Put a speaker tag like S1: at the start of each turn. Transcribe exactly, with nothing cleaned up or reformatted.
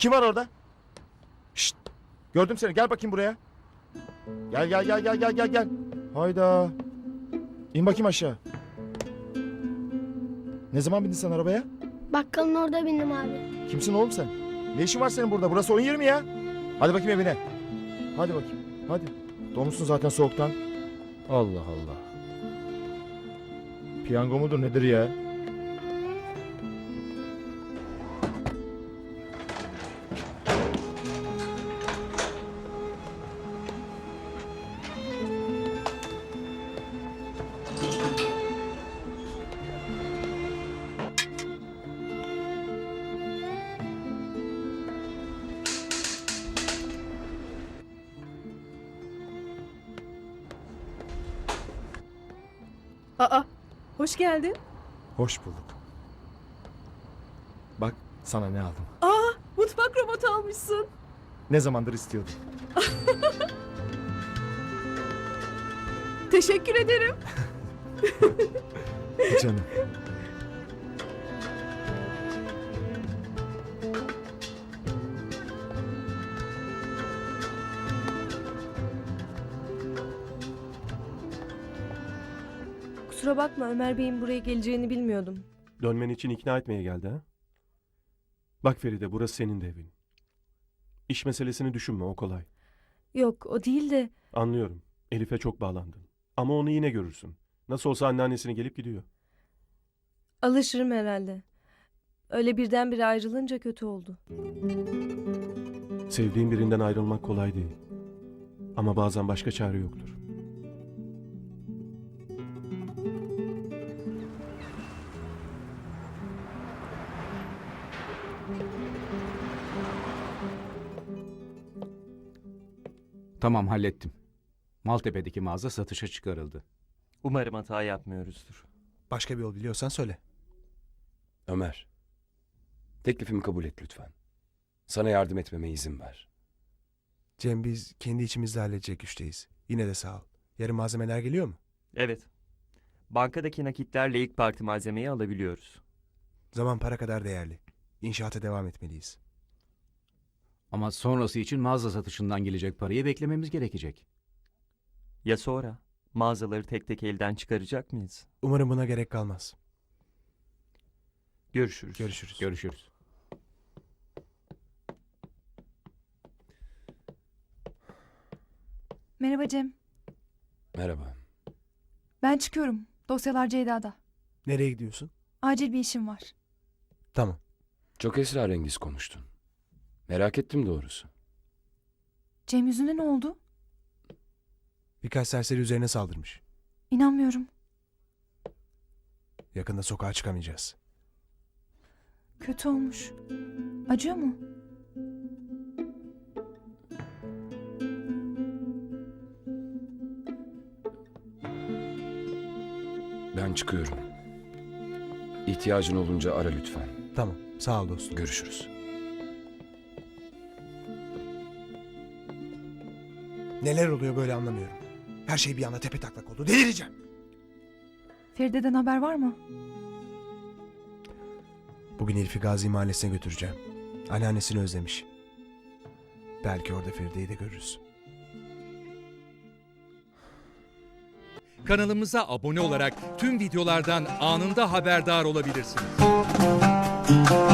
S1: Kim var orada? Şşt. Gördüm seni. Gel bakayım buraya. Gel gel gel gel gel gel gel. Hayda. İn bakayım aşağı. Ne zaman bindin sen arabaya?
S2: Bakkalın orada bindim abi.
S1: Kimsin oğlum sen? Ne işin var senin burada? Burası oyun yeri mi ya? Hadi bakayım evine. Hadi bakayım. Hadi. Donmuşsun zaten soğuktan. Allah Allah. Piyango mudur nedir ya?
S3: Aa, hoş geldin.
S1: Hoş bulduk. Bak sana ne aldım.
S3: Aa, mutfak robotu almışsın.
S1: Ne zamandır istiyordum.
S3: Teşekkür ederim.
S1: Canım.
S3: Kusura bakma, Ömer Bey'in buraya geleceğini bilmiyordum.
S4: Dönmen için ikna etmeye geldi ha? Bak Feride, burası senin de evin. İş meselesini düşünme, o kolay.
S3: Yok, o değil de
S4: Anlıyorum. Elif'e çok bağlandın. Ama onu yine görürsün. Nasıl olsa anneannesini gelip gidiyor.
S3: alışırım herhalde. Öyle birdenbire ayrılınca kötü oldu.
S4: Sevdiğin birinden ayrılmak kolay değil. Ama bazen başka çare yoktur.
S5: Tamam, hallettim. Maltepe'deki mağaza satışa çıkarıldı.
S6: Umarım hata yapmıyoruzdur.
S7: Başka bir yol biliyorsan söyle.
S8: Ömer, teklifimi kabul et lütfen. Sana yardım etmeme izin ver.
S7: Cem, biz kendi içimizde halledecek güçteyiz. Yine de sağ ol. Yarın malzemeler geliyor mu?
S6: Evet. Bankadaki nakitlerle ilk parti malzemeyi alabiliyoruz.
S7: Zaman para kadar değerli. İnşaata devam etmeliyiz.
S5: Ama sonrası için mağaza satışından gelecek parayı beklememiz gerekecek.
S6: Ya sonra? Mağazaları tek tek elden çıkaracak mıyız?
S7: Umarım buna gerek kalmaz.
S6: Görüşürüz.
S7: Görüşürüz.
S5: Görüşürüz.
S9: Merhaba Cem.
S8: Merhaba.
S9: Ben çıkıyorum. Dosyalar Ceyda'da.
S7: Nereye gidiyorsun?
S9: Acil bir işim var.
S7: Tamam.
S8: Çok esrarengiz konuştun. Merak ettim doğrusu.
S9: Cem yüzüne ne oldu?
S7: Birkaç serseri üzerine saldırmış.
S9: İnanmıyorum.
S7: Yakında sokağa çıkamayacağız.
S9: Kötü olmuş. Acıyor mu?
S8: Ben çıkıyorum. İhtiyacın olunca ara lütfen.
S7: Tamam. Sağ ol dostum.
S8: Görüşürüz.
S7: Neler oluyor böyle anlamıyorum. Her şey bir anda tepe taklak oldu. Delireceğim.
S9: Feride'den haber var mı?
S7: Bugün Elif'i Gazi Mahallesi'ne götüreceğim. Anneannesini özlemiş. Belki orada Feride'yi de görürüz.
S10: Kanalımıza abone olarak tüm videolardan anında haberdar olabilirsiniz.